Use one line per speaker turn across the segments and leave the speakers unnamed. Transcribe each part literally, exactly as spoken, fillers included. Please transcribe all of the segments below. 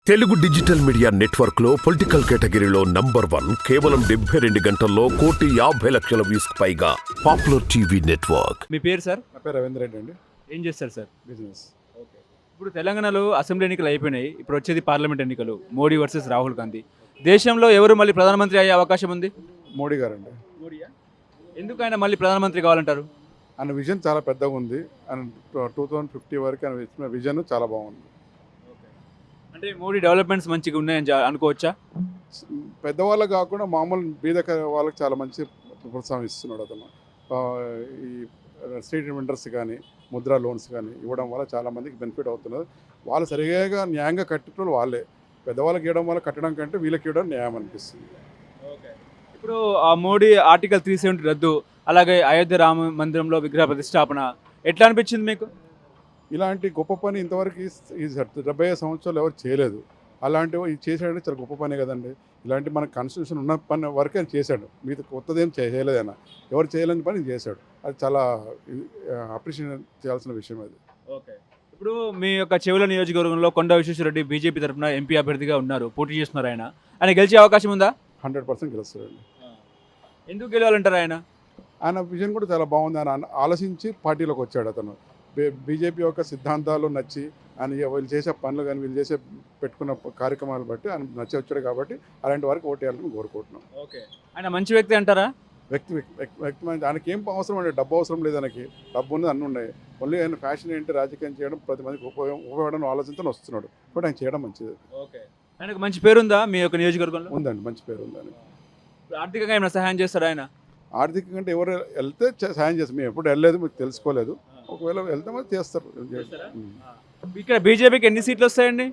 Telugu digital media network లో political కేటగిరీలో number one కేవలం డెబ్బై రెండు గంటల్లో కోటి యాభై లక్షల వ్యూస్ పైగా పాపులర్ టీవీ నెట్వర్క్.
మీ పేరు సార్?
నా పేరు రవీంద్ర రెడ్డి అండి.
ఏం చేస్తారు సార్?
బిజినెస్.
ఓకే. ఇప్పుడు తెలంగాణలో అసెంబ్లీ ఎన్నికలు అయిపోయినాయి, ఇప్పుడు వచ్చేది పార్లమెంట్ ఎన్నికలు, మోడీ వర్సెస్ రాహుల్ గాంధీ. దేశంలో ఎవరు మళ్ళీ ప్రధానమంత్రి అయ్యే అవకాశం ఉంది?
మోడీ గారు అండి.
మోడీయా? ఎందుకు ఆయన మళ్ళీ ప్రధానమంత్రి కావాలంటారు?
ఆయన విజన్ చాలా పెద్దగా ఉంది. ఆయన టూ థౌజండ్ ఫిఫ్టీ వరకు ఆయన ఇచ్చిన విజన్ చాలా బాగుంది.
అంటే మోడీ డెవలప్మెంట్స్ మంచిగా ఉన్నాయని జా- అనుకోవచ్చా?
పెద్దవాళ్ళకి కాకుండా మామూలు బీద వాళ్ళకి చాలా మంచి ప్రోత్సాహం ఇస్తున్నాడు అతను. ఆ, ఈ స్ట్రీట్ వెండర్స్ కానీ ముద్రా లోన్స్ కానీ ఇవ్వడం వల్ల చాలా మందికి బెనిఫిట్ అవుతున్నది. వాళ్ళు సరిగా న్యాయంగా కట్టేటోళ్ళు వాళ్ళే. పెద్దవాళ్ళకి ఇవ్వడం వల్ల కట్టడం కంటే వీళ్ళకి ఇవ్వడం న్యాయం అనిపిస్తుంది.
ఇప్పుడు ఆ మోడీ ఆర్టికల్ త్రీ సెవెంటీ రద్దు, అలాగే అయోధ్య రామ మందిరంలో విగ్రహ ప్రతిష్టాపన ఎట్లా అనిపించింది మీకు?
ఇలాంటి గొప్ప పని ఇంతవరకు ఈ- ఈ డెబ్బై ఐదు సంవత్సరాలు ఎవరు చేయలేదు. అలాంటివి ఇది చేశాడంటే చాలా గొప్ప పనే కదండి. ఇలాంటి మన కాన్స్టిట్యూషన్ ఉన్న పని వరకే ఆయన చేశాడు. మీది కొత్తదేం చేయలేదు ఆయన. ఎవరు చేయలేని పని చేశాడు. అది చాలా అప్రిషియేట్ చేయాల్సిన విషయం అది.
ఓకే. ఇప్పుడు మీ యొక్క చెవుల నియోజకవర్గంలో కొండ విశ్వేశ్వరరెడ్డి బీజేపీ తరఫున ఎంపీ అభ్యర్థిగా ఉన్నారు, పోటీ చేస్తున్నారు. ఆయన ఆయన గెలిచే అవకాశం ఉందా?
హండ్రెడ్ పర్సెంట్ గెలుస్తాడండి.
ఎందుకు గెలవాలంటారు ఆయన?
ఆయన విజన్ కూడా చాలా బాగుంది. ఆయన ఆలోచించి పార్టీలోకి వచ్చాడు అతను. బీజేపీ యొక్క సిద్ధాంతాలు నచ్చి ఆయన వీళ్ళు చేసే పనులు కానీ వీళ్ళు చేసే పెట్టుకున్న కార్యక్రమాలు బట్టి ఆయన నచ్చి వచ్చాడు. కాబట్టి అలాంటి వారికి ఓటు వేయాలని కోరుకుంటున్నాం.
ఓకే. ఆయన మంచి వ్యక్తి అంటారా?
వ్యక్తి వ్యక్తి ఆయనకి ఏం అవసరం అండి, డబ్బు అవసరం లేదు. ఆయనకి డబ్బు ఉన్నది అన్నీ ఉన్నాయి. ఓన్లీ ఆయన ఫ్యాషన్ ఏంటి, రాజకీయం చేయడం, ప్రతి మందికి ఉపయోగం ఉపయోగపడడం ఆలోచనతో వస్తున్నాడు. కాబట్టి ఆయన చేయడం మంచిది.
ఓకే. ఆయనకు మంచి పేరుందా మీ యొక్క నియోజకవర్గంలో?
ఉందండి, మంచి పేరు ఉందని.
ఆర్థికంగా ఏమైనా సహాయం చేస్తారా ఆయన?
ఆర్థికంగా అంటే ఎవరు వెళ్తే చ- సాయం చేస్తారు. మేము ఎప్పుడు వెళ్ళలేదు, మీకు తెలుసుకోలేదు. ఒకవేళ వెళ్తే మరి చేస్తారు.
ఇక్కడ బీజేపీకి ఎన్ని సీట్లు వస్తాయండి?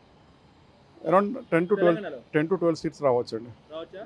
Around ten to twelve ten to twelve seats రావచ్చు అండి.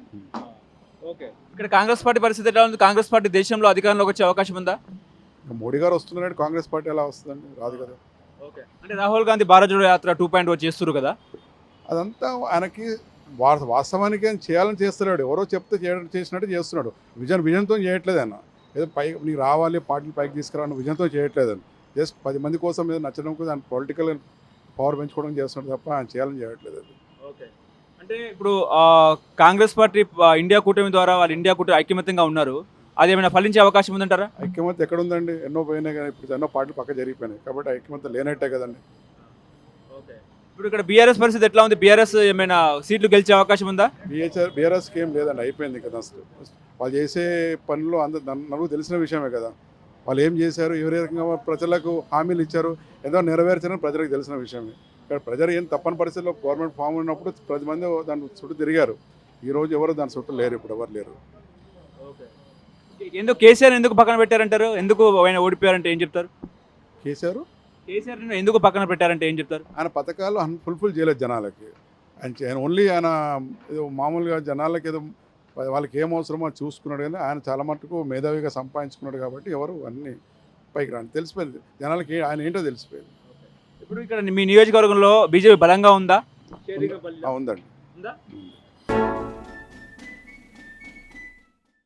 ఓకే. ఇక్కడ కాంగ్రెస్ పార్టీ పరిస్థితి ఎలా ఉంది? కాంగ్రెస్ పార్టీ దేశంలో అధికారంలోకి వచ్చే అవకాశం ఉందా?
మోడీ గారు వస్తున్నారంటే కాంగ్రెస్ పార్టీ ఎలా వస్తుందండి? రాదు కదా.
ఓకే. అంటే రాహుల్ గాంధీ భారత్ జోడో యాత్ర టూ పాయింట్ ఓ చేస్తున్నారు కదా.
అదంతా ఆయనకి వా- వాస్తవానికి ఆయన చేయాలని చేస్తున్నాడు. ఎవరో చెప్తే చేయడం చేసినట్టు చేస్తున్నాడు. విజన్ విజన్తో చేయట్లేదు ఆయన. ఏదో పై నీకు రావాలి, పార్టీలు పైకి తీసుకురావాలని విజన్తో చేయట్లేదు ఆయన. జస్ట్ పది మంది కోసం ఏదో నచ్చడం కోసం ఆయన పొలిటికల్ పవర్ పెంచుకోవడం చేస్తున్నాడు తప్ప ఆయన చేయాలని చేయట్లేదు అది.
ఓకే. అంటే ఇప్పుడు ఆ, కాంగ్రెస్ పార్టీ ఆ, ఇండియా కూటమి ద్వారా వాళ్ళు ఇండియా కూటమి ఐక్యమత్యంగా ఉన్నారు, అది ఏమైనా ఫలించే అవకాశం ఉందంటారా?
ఐక్యమత్యం ఎక్కడ ఉందండి? ఎన్నో పోయినాయి కానీ ఇప్పుడు ఎన్నో పార్టీలు పక్క జరిగిపోయినాయి. కాబట్టి ఐక్యమత్యం లేనట్టే కదండి.
ఓకే. ఇప్పుడు ఇక్కడ బీఆర్ఎస్ పరిస్థితి ఎట్లా ఉంది? బీఆర్ఎస్ ఏమైనా సీట్లు గెలిచే అవకాశం ఉందా?
బిహెచ్ఆర్ బీఆర్ఎస్కి ఏం లేదండి, అయిపోయింది కదా. అసలు వాళ్ళు చేసే పనులు అందరు నలుగురు తెలిసిన విషయమే కదా. వాళ్ళు ఏం చేశారు, ఏ రకంగా ప్రజలకు హామీలు ఇచ్చారు, ఏదో నెరవేర్చారని ప్రజలకు తెలిసిన విషయమే. ఇక్కడ ప్రజలు ఏం తప్పని పరిస్థితుల్లో గవర్నమెంట్ ఫామ్ ఉన్నప్పుడు పది మంది దాని చుట్టూ తిరిగారు. ఈరోజు ఎవరు దాని చుట్టూ లేరు, ఇప్పుడు ఎవరు లేరు.
ఓకే. ఎందుకు కేసీఆర్ ఎందుకు పక్కన పెట్టారంటారు? ఎందుకు ఆయన ఓడిపోయారంటే ఏం చెప్తారు?
కేసీఆర్
కేసీఆర్ ఎందుకు పక్కన పెట్టారంటే ఏం చెప్తారు?
ఆయన పథకాలు ఫుల్ఫిల్ చేయలేదు జనాలకి. ఆయన చే- ఆయన ఓన్లీ ఆయన ఏదో మామూలుగా జనాలకి ఏదో వాళ్ళకి ఏం అవసరమో అది చూసుకున్నాడు. కానీ ఆయన చాలా మటుకు మేధావిగా సంపాదించుకున్నాడు. కాబట్టి ఎవరు అన్నీ పైకి రాని తెలిసిపోయింది జనాలకి ఏ- ఆయన ఏంటో తెలిసిపోయింది.
ఇప్పుడు ఇక్కడ మీ నియోజకవర్గంలో బీజేపీ బలంగా ఉందా?
ఆ, ఉందండి.
ఉందా?
ఉంది.